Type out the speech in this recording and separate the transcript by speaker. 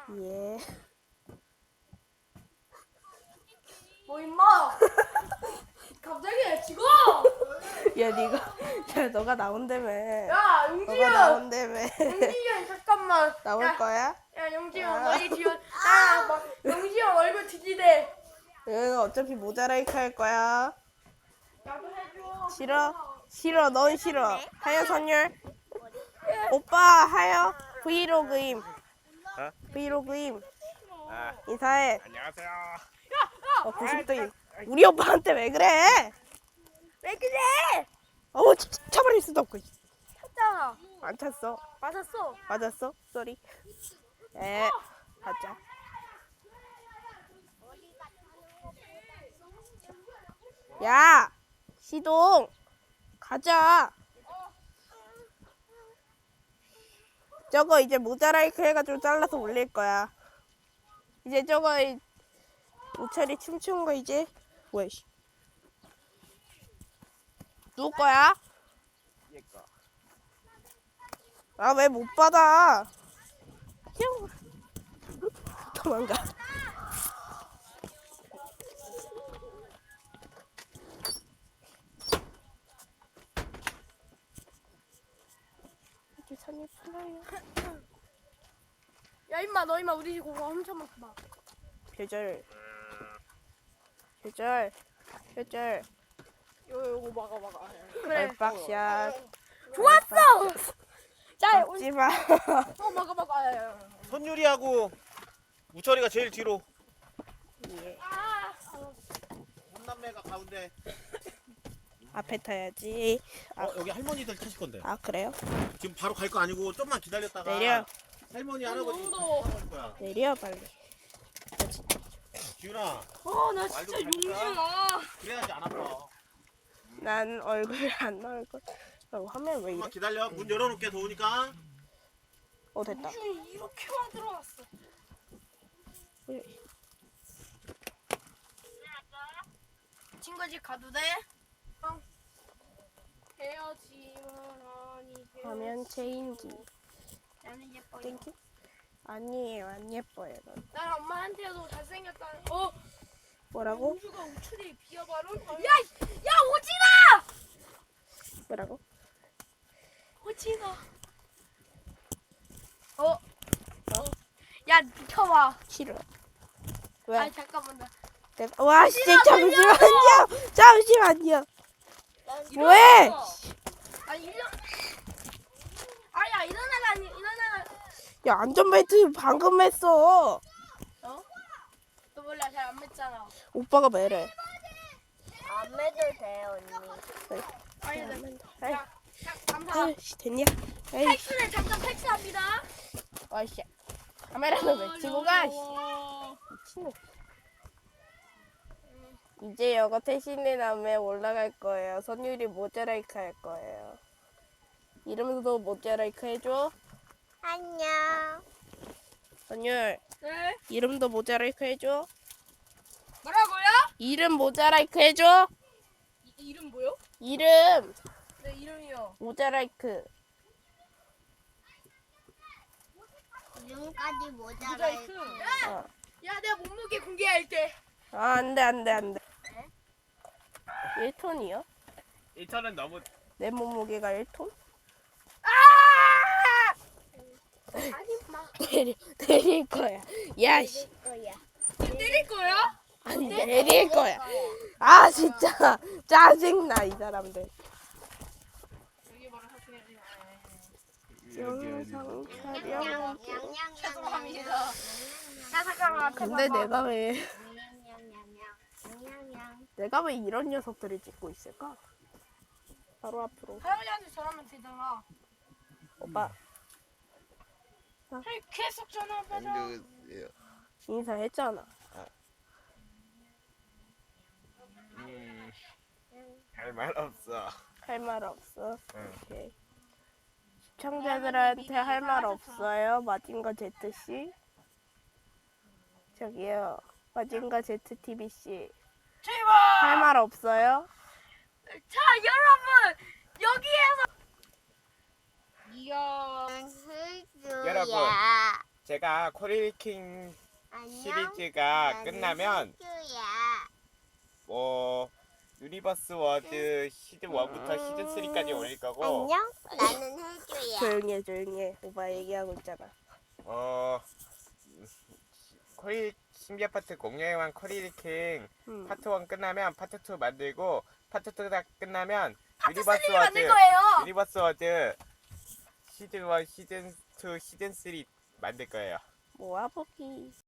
Speaker 1: 예.
Speaker 2: 임마! 갑자기 왜 죽어?
Speaker 1: 야, 너가 나온다며.
Speaker 2: 야,
Speaker 1: 너가
Speaker 2: 용지야!
Speaker 1: 나온다며.
Speaker 2: 용지야, 잠깐만.
Speaker 1: 나올
Speaker 2: 야,
Speaker 1: 거야?
Speaker 2: 야, 용지야,
Speaker 1: 야.
Speaker 2: 머리 뒤어. 용지야, 얼굴 뒤지대.
Speaker 1: 얘는 어차피 모자라이크 할 거야.
Speaker 2: 나도 해줘.
Speaker 1: 싫어, 넌 싫어. 하여 선율. 오빠, 하여. 브이로그임.
Speaker 3: 어?
Speaker 1: 브이로그임.
Speaker 3: 아,
Speaker 1: 인사해.
Speaker 3: 안녕하세요.
Speaker 1: 90도임. 우리 오빠한테 왜 그래?
Speaker 2: 왜 그래?
Speaker 1: 차버릴 수도 없고.
Speaker 2: 쳤잖아.
Speaker 1: 안 찼어.
Speaker 2: 맞았어.
Speaker 1: 맞았어? 쏘리. 에, 가자. 야, 시동. 가자. 저거 이제 모자라이크 해가지고 잘라서 올릴 거야. 이제 저거 우철이 춤추는 거 이제 뭐야? 씨. 누구 거야?
Speaker 3: 얘 거.
Speaker 1: 아, 왜 못 받아? 휴. 도망가. 이제 선이 풀어요.
Speaker 2: 야, 임마, 너 임마 우리 집 고가 엄청 많구만.
Speaker 1: 표절.
Speaker 2: 요거 막아. 그래.
Speaker 1: 얼박샷.
Speaker 2: 좋았어! 자,
Speaker 1: 먹지 마.
Speaker 2: 막아.
Speaker 3: 손유리하고 우철이가 제일 뒤로.
Speaker 1: 예.
Speaker 3: 혼남매가 가운데.
Speaker 1: 앞에 타야지.
Speaker 3: 여기 할머니들 타실 건데.
Speaker 1: 아, 그래요?
Speaker 3: 지금 바로 갈 거 아니고 좀만 기다렸다가.
Speaker 1: 내려.
Speaker 3: 할머니 할아버지
Speaker 2: 너무 더워.
Speaker 3: 갈 거야.
Speaker 1: 내려 빨리.
Speaker 3: 기훈아.
Speaker 2: 나 진짜
Speaker 3: 말도 잘
Speaker 2: 용지야.
Speaker 3: 그래야지 안 아파.
Speaker 1: 난 얼굴 안 나올 걸. 화면 왜 이래?
Speaker 3: 좀만 기다려. 문 열어놓게 더우니까.
Speaker 1: 됐다.
Speaker 2: 용지 이렇게만 들어왔어. 친구 집 가도 돼? 헤어지면 아니
Speaker 1: 화면 체인지.
Speaker 2: 나는 예뻐요.
Speaker 1: 땡큐. 아니에요, 안 예뻐요. 넌.
Speaker 2: 난 엄마한테도 잘생겼다는.
Speaker 1: 뭐라고?
Speaker 2: 용주가 우출이 비어바로? 야 오지마!
Speaker 1: 뭐라고?
Speaker 2: 오지마. 야 비켜봐.
Speaker 1: 싫어. 왜?
Speaker 2: 아 잠깐만 나.
Speaker 1: 와, 진짜 잠시만요. 잠시만요. 뭐해?
Speaker 2: 아니 아야 일어나가 아니 일어나가.
Speaker 1: 야, 안전벨트 방금 했어.
Speaker 2: 너 몰라 잘 안 맺잖아.
Speaker 1: 오빠가 매래.
Speaker 4: 안 매도 돼요, 언니.
Speaker 2: 아니
Speaker 1: 아이,
Speaker 2: 야 감사.
Speaker 1: 아이씨, 됐냐? 에이,
Speaker 2: 팩스는 잠깐 팩스합니다.
Speaker 1: 와이씨. 카메라는 왜 치고 가? 씨. 미친놈. 이제 이거 태신의 남에 올라갈 거예요. 선율이 모자라이크 할 거예요. 이름도 모자라이크 해줘.
Speaker 4: 안녕.
Speaker 1: 선율,
Speaker 2: 네.
Speaker 1: 이름도 모자라이크 해줘.
Speaker 2: 뭐라고요?
Speaker 1: 이름 모자라이크 해줘.
Speaker 2: 이름 뭐요?
Speaker 1: 이름
Speaker 2: 내 이름이요.
Speaker 1: 모자라이크.
Speaker 4: 지금까지 모자라이크.
Speaker 2: 모자이크.
Speaker 1: 어.
Speaker 2: 야 내가 몸무게 공개할게.
Speaker 1: 아, 안 돼. 1톤이요?
Speaker 3: 1턴은 너무.
Speaker 1: 내 몸무게가 1톤?
Speaker 2: 아니 마.
Speaker 1: 내릴 거야. 야, 씨.
Speaker 4: 거야.
Speaker 2: 때릴 거야?
Speaker 1: 아니, 내릴 거야. 아, 진짜. 짜증나, 이 사람들.
Speaker 2: 여기 바로 사진이.
Speaker 1: 영상 촬영.
Speaker 2: 죄송합니다. 야 잠깐만.
Speaker 1: 근데 내가 왜
Speaker 4: 냥냥냥냥.
Speaker 1: 이런 녀석들을 찍고 있을까? 바로 앞으로.
Speaker 2: 할아버지한테 전화하면 되잖아.
Speaker 1: 오빠,
Speaker 2: 계속 전화 받아.
Speaker 1: 인사했잖아.
Speaker 3: 할 말 없어.
Speaker 1: 할 말 없어.
Speaker 3: 응.
Speaker 1: 오케이. 시청자들한테 할 말 없어요? 마징가 제트씨? 저기요. 마징가 제트TV씨.
Speaker 2: 제발.
Speaker 1: 할 말 없어요?
Speaker 2: 자 여러분 여기에서. 이야.
Speaker 4: 훌수야.
Speaker 3: 여러분.
Speaker 5: 제가 코리킹
Speaker 4: 안녕.
Speaker 5: 시리즈가
Speaker 4: 나는
Speaker 5: 끝나면
Speaker 4: 혜주야.
Speaker 5: 뭐 유니버스 워드 시즌 1부터 시즌 3까지 올릴 거고
Speaker 4: 안녕. 나는 혜주야.
Speaker 1: 조용히 해. 오빠 얘기하고 있잖아.
Speaker 5: 코리 신비 아파트 공룡의왕 코리킹
Speaker 1: 음.
Speaker 5: 파트 1 끝나면 파트 2 만들고 파트 2가 끝나면
Speaker 2: 파트
Speaker 5: 유니버스
Speaker 2: 3를 만들
Speaker 5: 워드
Speaker 2: 거예요.
Speaker 5: 유니버스 워드 시즌 1, 시즌 2, 시즌 3 만들 거예요.
Speaker 1: 모아보기.